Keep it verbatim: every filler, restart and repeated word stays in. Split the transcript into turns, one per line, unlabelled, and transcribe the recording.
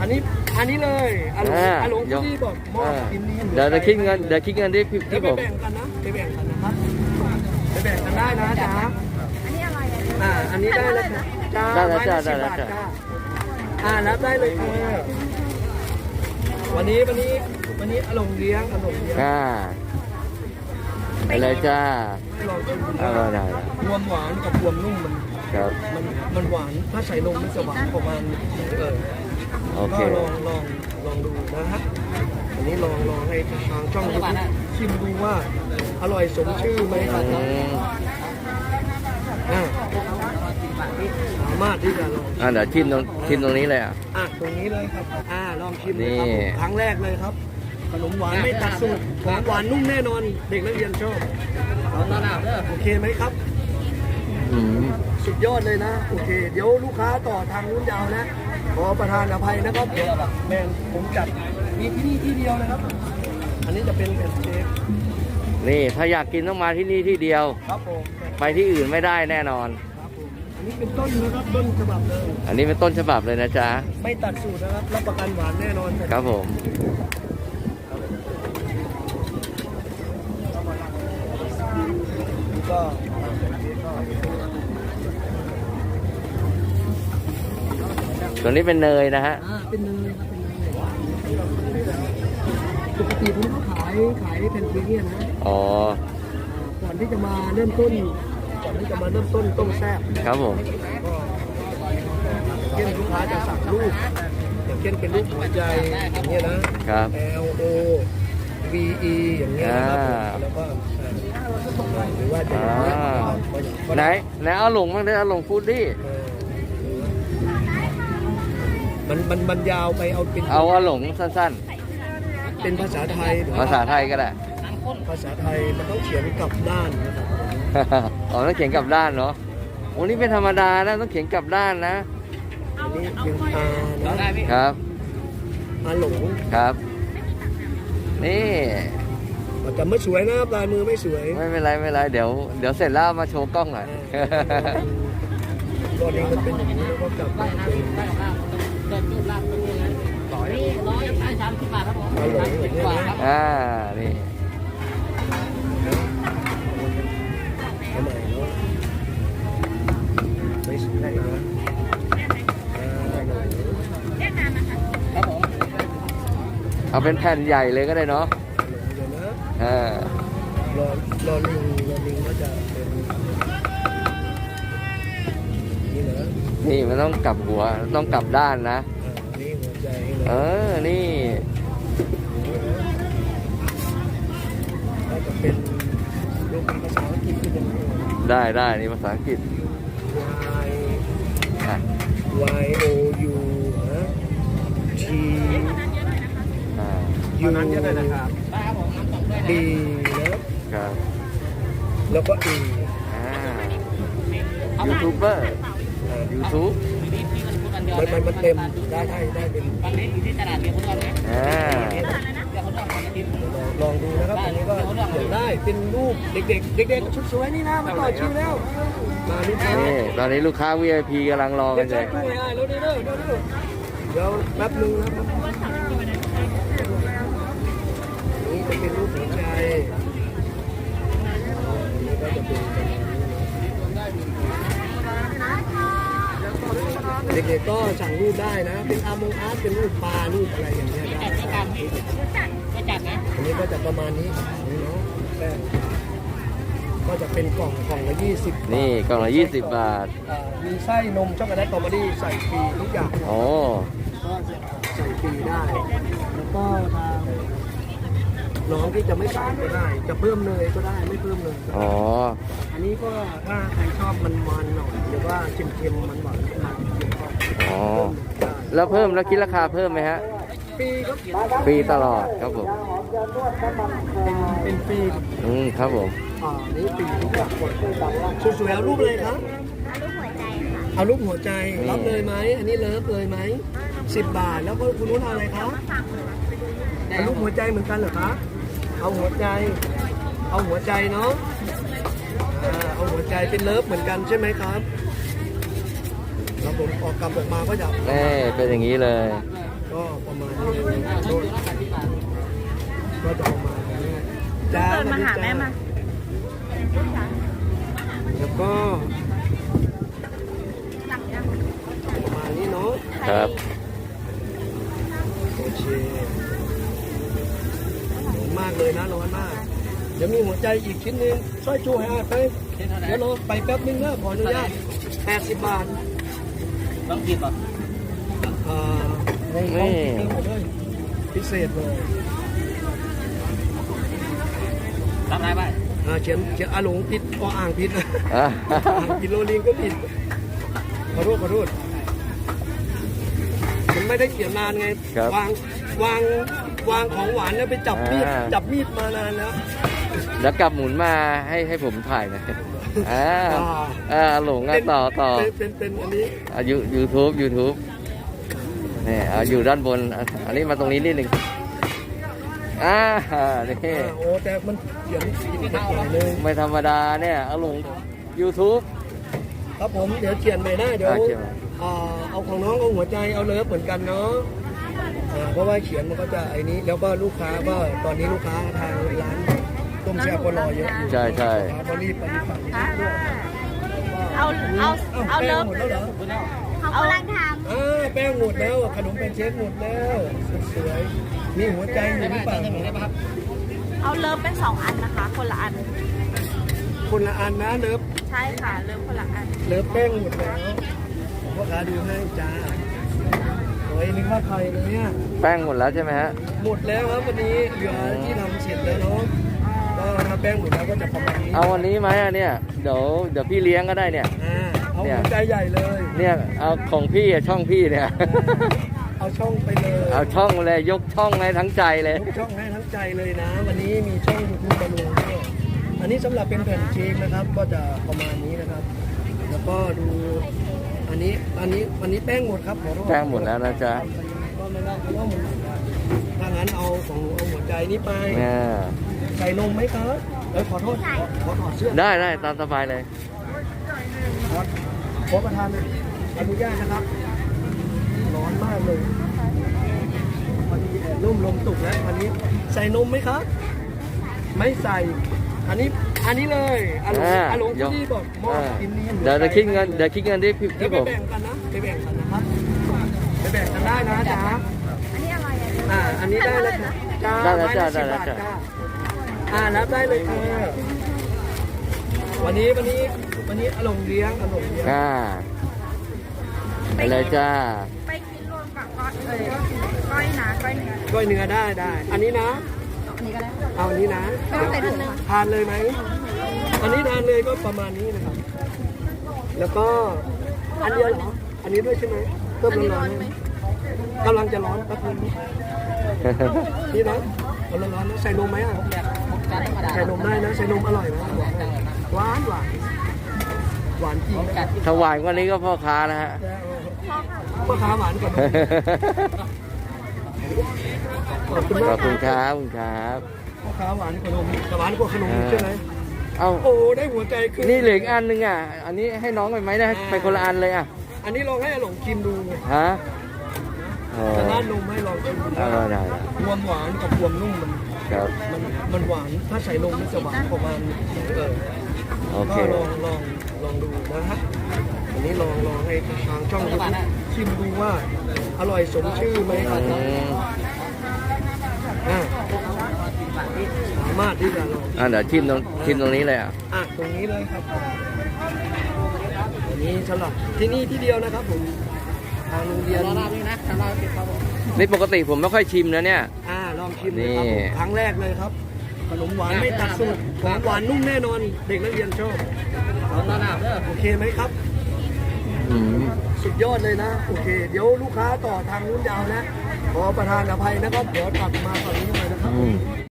อันนี้อันนี้เลยอาหลงอาหลงที่บอกมอบกินนี้
เดี๋ยวจะคิดเงินเดี๋ยวคิดเงินที่ที่ผม
ไปแบ่งกันนะไปแบ่งกันนะครับไปแบ่งกันได้นะจ๊ะ
อันนี้อะไรอ่ะ
อ่าอันนี้ได้แล้วจ้า
ได้แล้วจ้า
ไม้
ได้
ละ
แล้ว
สิบบาท
จ้า
จ้าอ่ารับได้เลยค่ะวันนี้วันนี้วันนี้อาหลงเลี้ยงอาหลงเลี้ยง
อ่าไปเลยจ้า
ให้ลองชิมดู
เอาได้ได้
รวมหวานกับรวมนุ่มมัน
ครับ
มันมันหวานถ้าใส่นมมันจะหวานประมาณเออ
โอเค
ก็ลองลองลองดูนะฮะอันนี้ลองลองให้ทางช่องยูทูบชิมดูว่าอร่อยสมชื่อไหมครับ
อืม
อ่าสามารถที่จะลอง
อ่าเดี๋ยวชิมตรงชิมตรงนี้เลยอ่ะ
อ่ะตรงนี้เลยครับอ่าลองชิม
นี่
เลยครับผมครั้งแรกเลยครับขนมหวานไม่ตัดสูตรของหวานนุ่มแน่นอนเด็กนักเรียนชอบโอเคไหมครับ
อืม
สุดยอดเลยนะโอเค เดี๋ยวลูกค้าต่อทางนู้นยาวนะขอประทานอภัยนะครับเดี๋ยวแมนผมจัดมีที่นี่ที่เดียวนะครับ อันนี้จะเป็นแผ่นเค้ก
นี่ถ้าอยากกินต้องมาที่นี่ที่เดียว
ครับผม
ไปที่อื่นไม่ได้แน่นอน
ครับผมอันนี้เป็นต้นนะครับต้นฉบับเลย
อันนี้เป็นต้นฉบับเลยนะจ๊ะ
ไม่ตัดสูตรนะครับรับประกันหวานแน่นอน
ครับผม
ก็
ตัวนี้เป็นเนยนะฮะ
อ่าเป็นเนยครับเป็นเนยปกติผมก็ขายขายแผ่นเค้กเนี่ยนะ
อ๋อ
ก่อนที่จะมาเริ่มต้นก่อนที่จะมาเริ่มต้นต้มแซ่บ
ครับผม
ก็อย่างเช่นลูกค้าจะสั่งรูปอย่างเช่นเป็นรูปหัวใจอย่างเงี้ยนะครับ L O V E อย่างเงี้ยนะครับ
อ่า
แล้วก็หรือว่าจะ
อ่า
อย่าง
ไหน
เงี้ย
ไหนเอาหลงบ้างได้เอาหลงฟูดดี้
เออมันมันมันยาวไปเอาเป็น
เอาเอาหลงสั้น
เป็นภาษาไทย
ๆ ภาษาไทยก็ได้
ภาษาไทยมันต้องเขียนกลับด้านนะครับ
อ๋อต้องเขียนกลับด้านเนาะโอ้นี่เป็นธรรมดานะต้องเขียนกลับด้านนะ
อันนี้ยังอานะครับ อาหลง
ครับ นี่
แต่ไม่สวยนะครับลายมือไม่สวย
ไม่เป็นไรไม่เป็นไรเดี๋ยวเดี๋ยวเสร็จแล้วเอามาโชว์กล้องหน่อย
ตอนนี้มันเป็นอย่างนี้แล้วก็กลับมาเป็นอาหลงอย่างเงี้ยนะ
อ่านี่
ทำไมเนาะไม่สวยนะอ่าหลง
เอาเป็นแผ่นใหญ่เลยก็ได้เนาะ
เดี๋ยวนะ
อ่าร
อรอลิงรอลิงก็จะเป็นนี่นะ
นี่มันต้องกลับหัวต้องกลับด้านนะ
อ่านี่หัวใจเลย
เออนี่
ก็จะเป็นรูปภาษาอังกฤษที่เป็น
ได้ได้นี่ภาษาอังกฤษ
Y
อ่ะ
Y O U นะ T
อ่า
U B นะครับ แล้วก็ E
อ่ายูทูบเบอร์ยูทูบ
มันมันมันเต็มได้ได้ได้เป็น
อ่า
ลองดูนะครับอันนี้ก็อยากได้เป็นรูปเด็กๆเด็กๆชุดสวยนี่นะมาต่อคิวแล้วมาลูกค้า
นี่ตอนนี้ลูกค้า วี ไอ พี กำลังรอ
เดี๋
กั
ยวน
เล
ใช้
ย
ตู้ให้ได้แล้วเด้อเด้อเด้อเดี๋ยวแป๊บนึงนะครับนี่จะเป็นรูปหัวใจนี่ก็จะเป็นประมาณนี้นะเด็กๆก็สั่งรูปได้นะเป็นอาร์มงอาร์ตเป็นรูปปลารูปอะไรอย่างเงี้ยได้อันนี้ก็จะประมาณนี้นี่เนาะแป้งก็จะเป็นกล่องกล่องละยี่สิบ
นี่กล่องละยี่สิบบาท
อ่ามีไส้นมช็อกโกแลตสตรอเบอรี่ใส่ฟรีทุกอย่าง
โอ้
ก็ใส่ฟรีได้ แล้วก็ทางน้องที่จะไม่ใส่ก็ได้ จะเพิ่มเนยก็ได้ไม่เพิ่มเนยก็ได้
อ๋อ
อันนี้ก็ถ้าใครชอบมันมันๆหน่อยหรือว่าเค็มๆมันหวานๆมันเค็มๆก็
อ๋อ
เพิ่มได้
แล้วเพิ่มแล้วคิดราคาเพิ่มไหมฮะ
ฟรีครับ
ฟรีตลอดครับผม
เป็นเป็นฟรี
อืมครับผม
อ่านี่ฟรีทุกอย่างสวยๆเอารูปเลยครับเอารูปหัวใจรับเลยไหมอันนี้เลิฟเลยไหมสิบบาทแล้วก็คุณนุ้นเอาอะไรครับเอารูปหัวใจเหมือนกันเหรอคะเอาหัวใจ เอาหัวใจเนาะอ่าเอาหัวใจเป็นเลิฟเหมือนกันใช่ไหมครับแล้วผมออกกำออกมาก็จะ
นี่เป็นอย่างนี้เลย
ปก็ประมาณนี้เลยโน่นก็จะประมาณนี้จ้า
เดินมาหาแม่มา
แล้วก็ประมาณนี้เนาะ
ครับ
โอเคร้อนมากเลยนะร้อนมากเดี๋ยวมีหัวใจอีกชิ้นหนึงสร้อยจูให้อาไปเดี๋ยวรอไปแป๊บนึงนะขออนุญาตแปดสิบบาท
ต้องกินป่ะ
อ่าใน
นี่
ห้องคิดหมดเลยพิเศษเลย
รับไรไป
อ่าเขียนเขียนอาหลงผิดก็อ่างผิดนะ
อ่ะ
อ่างผิดโรลิงก็ผิดขอโทษขอโทษมันไม่ได้เขียนนานไง
ครับ
วางวางวางของหวานแล้วไปจับมีด
อ่า
จับมีดมานานแล้ว
แล้วกลับหมุนมาให้ให้ผมถ่ายหน่อยอ่า
อ่า
อ่าหลงอ่ะต่อต่อ
เป็นเป็นเป็นอันนี้
อ่ะยูยูทูบยูทูบนี่เอาอยู่ด้านบนอ่ะอันนี้มาตรงนี้นิดหนึ่งอ่านี่
อ่าโอ้แต่มันเขียนผิดหน่อยเลย
ไม่ธรรมดาเนี่ยเอาลง YouTube
ครับผมเดี๋ยวเขียนใหม่ได้เดี๋ยว
อ่าเขียนใหม่
อ่าเอาของน้องเอาหัวใจเอาเลิฟเหมือนกันเนาะอ่าเพราะว่าเขียนมันก็จะไอ้นี้แล้วก็ลูกค้าก็ตอนนี้ลูกค้าทางร้านต้มแซ่บก็รอเยอะอยู่
ใช่ใช่
ลูกค้าก็รีบไปรีบฝั่งนี้
ฮะ
ด้วย
เอาเอาเอา
แป้
เลิ
ง
ฟ
หมดแล้วเหรอ
เขากำลังท
อ่าแป้งหมดแล้วขนมเป็นเชฟหมดแล้วสวยๆมีหัวใจอยู่หรือเปล่า
ำเอาเลิฟเป็นสองอันนะคะ คนละอัน
คนละอันนะเลิฟ
ใช่ค่ะ เลิฟคนละอัน
เลิฟแป้งหมดแล้วพ่อค้าดูให้จ้าโอ้ยนึกว่าใครเลยเนี่ย
แป้งหมดแล้วใช่ไหมฮะ
หมดแล้วครับวันนี้เหลือที่ทำเสร็จแล้วเนาะก็ถ้าแป้งหมดแล้วก็จะประมาณนี้
เอาวันนี้ไหมอ่ะเนี่ยเดี๋ยวเดี๋ยวพี่เลี้ยงก็ได้เนี่ย
อ่าเอา
เนี่ย
หัวใจใหญ่เลย
เนี่ยเอาของพี่อ่ะช่องพี่เนี่ย
เอาช่องไปเลย
เอาช่องเลยยกช่องให้ทั้งใจเลย
ยกช่องให้ทั้งใจเลยนะ วันนี้มีช่องยูทูบมาลงด้วยอันนี้สำหรับเป็นแผ่นเค้กนะครับ ก็จะประมาณนี้นะครับ แล้วก็ดูอันนี้อันนี้อันนี้แป้งหมดครับขอโทษ
แป้งหมดแล้วนะจ๊ะ
ก็ไม่ได้เพราะว่าหมดแล้วถ้างั้นเอาของหนูเอาหัวใจนี้ไป
เนี่ย
ใส่นมไหมครับเออขอโทษขอขอถอดเสื้อ
ได้ได้ตามสบายเลย
ขอขอประทานอนุญาตนะครับร้อนมากเลยพอดีแอบร่มลมตกแล้ววันนี้ใส่นมไหมครับ ไม่ใส่ อันนี้อันนี้เลยอาหลง
อ่า
อาหลง
ยก
ที่บอกมอบ
อ่า
กินนี้
เดี๋ยวจะคิดเงินเดี๋ยวคิดเงินที่พี่
เดี๋ย
ที่
วไป
ผม
แบ่งกันนะไปแบ่งกันนะครับไปแบ่งกันได้นะจ๊ะ
อันนี้อะไรอ่ะ
อ่าอันนี้ได้แล้วค่ะจ้า
ได้แล้วจ้า
ไม้
ได้
ละ
แล้ว
สิบบาท
จ้า
อ่ารับได้เลยค่ะวันนี้วันนี้วันนี้อาหลงเลี้ยงอาหลงเลี้ยง
อ่าไปเลยจ้า
ไปกินรวมกับก้อยเอ้ยก้อยนะก้อยเนื้อ
ก้อยเนื้อได้ได้ อันนี้นะ
อันนี้ก็ได้
เอาอันนี้นะ
ไม่ต้องใส่ถุงนึง
ทานเลยไหม อันนี้ทานเลยก็ประมาณนี้นะครับ แล้วก็อันเดียวเหรอ อันนี้ด้วยใช่ไหมเพิ่มร้อนๆไหมกำลังจะร้อนแป๊บนึงนี่นะกำลังร้อนนะใส่นมไหมอ่ะใส่นมได้นะ ใส่นมอร่อยนะหวานหวานหวานจริงนะ
ถวายวันนี้ก็พ่อค้านะฮะ
พ่อค้าหวานกว่านมขอบคุณ
ข
มา
อก บคุณครับขอบคุณครับ
พ่อค้าหวานกว่านมแต่หวานกว่าขนมใช่ไหม
เอา
โอ้ได้หัวใจขึ้น
นี่เหลืออีกอันหนึงอ่ะ อันนี้ให้น้องไปไหมได้ไปคนละอันเลยอ่ะ
อันนี้ลองให้อาหลงชิมดู
ฮะโอ้
จะร้านนมให้ลองชิมดู
ได้ได้ได้
ความหวานกับความนุ่มมัน
ครับ
มันมันหวานถ้าใส่นมมันจะหวานประมาณเออ
โอเค
ก็ลองลองลองดูนะฮะอันนี้ลองลองให้ทางช่องยูทูบชิมดูว่าอร่อยสมชื่อไหมครับ
อืม
อ่าสามารถที่จะลอง
อ่ะเดี๋ยวชิมตรงชิมตรงนี้เลยอ่ะ
อ่ะตรงนี้เลยครับอันนี้สำหรับที่นี่ที่เดียวนะครับผมทางโรงเรียน
นี่ปกติผมไม่ค่อยชิมนะเนี่ย
อ่าลองชิมเลยครับ
นี่
ผมครั้งแรกเลยครับขนมหวานไม่ตัดสูตรของหวานนุ่มแน่นอน เด็กนักเรียนชอบโอเคไหมครับ
อืม
สุดยอดเลยนะ โอเค เดี๋ยวลูกค้าต่อทางนู้นยาวนะ ขอประทานอภัยนะครับ เดี๋ยวตัดมาฝั่งนี้หน่อยนะครับ
อืม